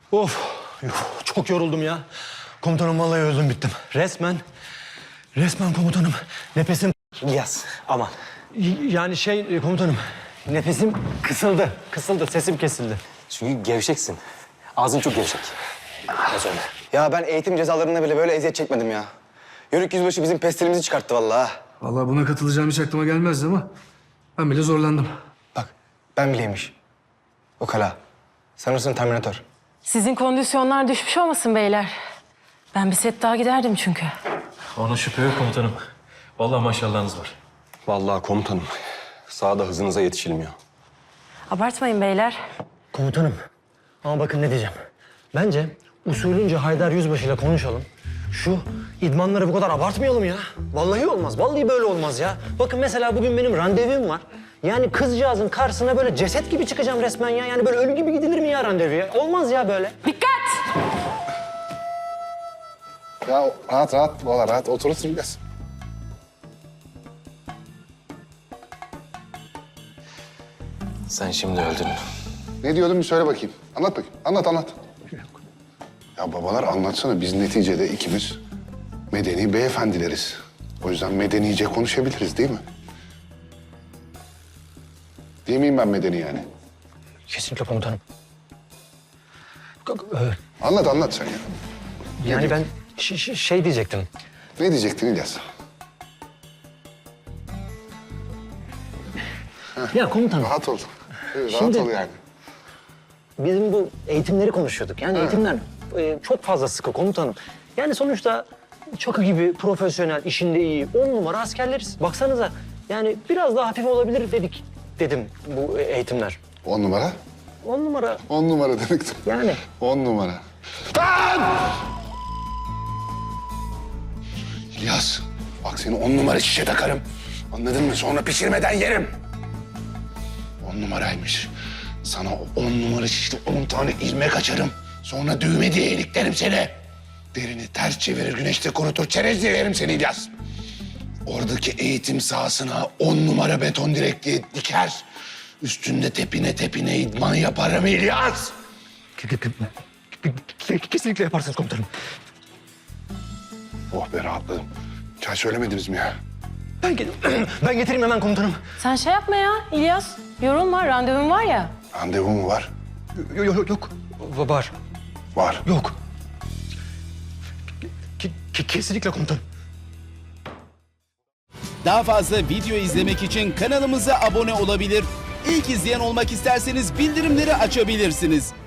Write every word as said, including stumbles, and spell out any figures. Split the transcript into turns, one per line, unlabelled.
Of, yuh, çok yoruldum ya. Komutanım vallahi öldüm bittim. Resmen, resmen komutanım. Nefesim...
İlyas, aman.
Y- Yani şey e, komutanım, nefesim kısıldı. Kısıldı, sesim kesildi.
Çünkü gevşeksin. Ağzın çok gevşek. Nasıl öyle?
Ya ben eğitim cezalarında bile böyle eziyet çekmedim ya. Yörük yüzbaşı bizim pestilimizi çıkarttı vallahi.
Vallahi buna katılacağım hiç aklıma gelmezdi ama ben bile zorlandım.
Bak ben bileymiş. O kala. Sanırsın Terminator.
Sizin kondisyonlar düşmüş olmasın beyler? Ben bir set daha giderdim çünkü.
Ona şüphe yok komutanım. Vallahi maşallahınız var.
Vallahi komutanım, sahada hızınıza yetişilmiyor.
Abartmayın beyler.
Komutanım, ama bakın ne diyeceğim. Bence usulünce Haydar Yüzbaşı ile konuşalım. Şu idmanları bu kadar abartmayalım ya. Vallahi olmaz, vallahi böyle olmaz ya. Bakın mesela bugün benim randevum var. Yani kızcağızın karşısına böyle ceset gibi çıkacağım resmen ya. Yani böyle ölü gibi gidilir mi ya randevuya? Olmaz ya böyle.
Dikkat!
Ya rahat rahat valla rahat oturursun biraz.
Sen şimdi öldün.
Ne diyordun bir söyle bakayım. Anlat bakayım. Anlat anlat. Ya babalar anlatsana biz neticede ikimiz medeni beyefendileriz. O yüzden medenice konuşabiliriz değil mi? Değil miyim ben medeni yani?
Kesinlikle komutanım. Ee,
Anlat anlat sen ya.
Yani ben ş- ş- şey diyecektim.
Ne diyecektin İlyas?
Ya komutanım,
Rahat ol. Evet, rahat
Şimdi-
ol yani.
bizim bu eğitimleri konuşuyorduk. Yani eğitimler e, çok fazla sıkı komutanım. Yani sonuçta Çakı gibi profesyonel, işinde iyi, on numara askerleriz. Baksanıza yani biraz daha hafif olabilir dedik dedim bu eğitimler.
On numara.
On numara
On numara demektim.
yani.
On numara. Lan! İlyas, bak seni on numara şişe takarım. Anladın mı? Sonra pişirmeden yerim. On numaraymış. Sana o on numara şişte on tane ilmek açarım. Sonra düğme diye iliklerim seni. Derini ters çevirir, güneşte kurutur, çerez diye yerim seni İlyas. Oradaki eğitim sahasına on numara beton direkliği diker. Üstünde tepine tepine idman yaparım İlyas.
Kesinlikle yaparsınız komutanım.
Oh be rahatladım. Çay söylemediniz mi ya?
Ben, ge- ben getireyim hemen komutanım.
Sen şey yapma ya İlyas. Yorulma, randevun var ya.
Randevu mu var?
Yok yok yok. Var.
Var.
Yok. Ke- ke- kesinlikle komutanım.
Daha fazla video izlemek için kanalımıza abone olabilir. İlk izleyen olmak isterseniz bildirimleri açabilirsiniz.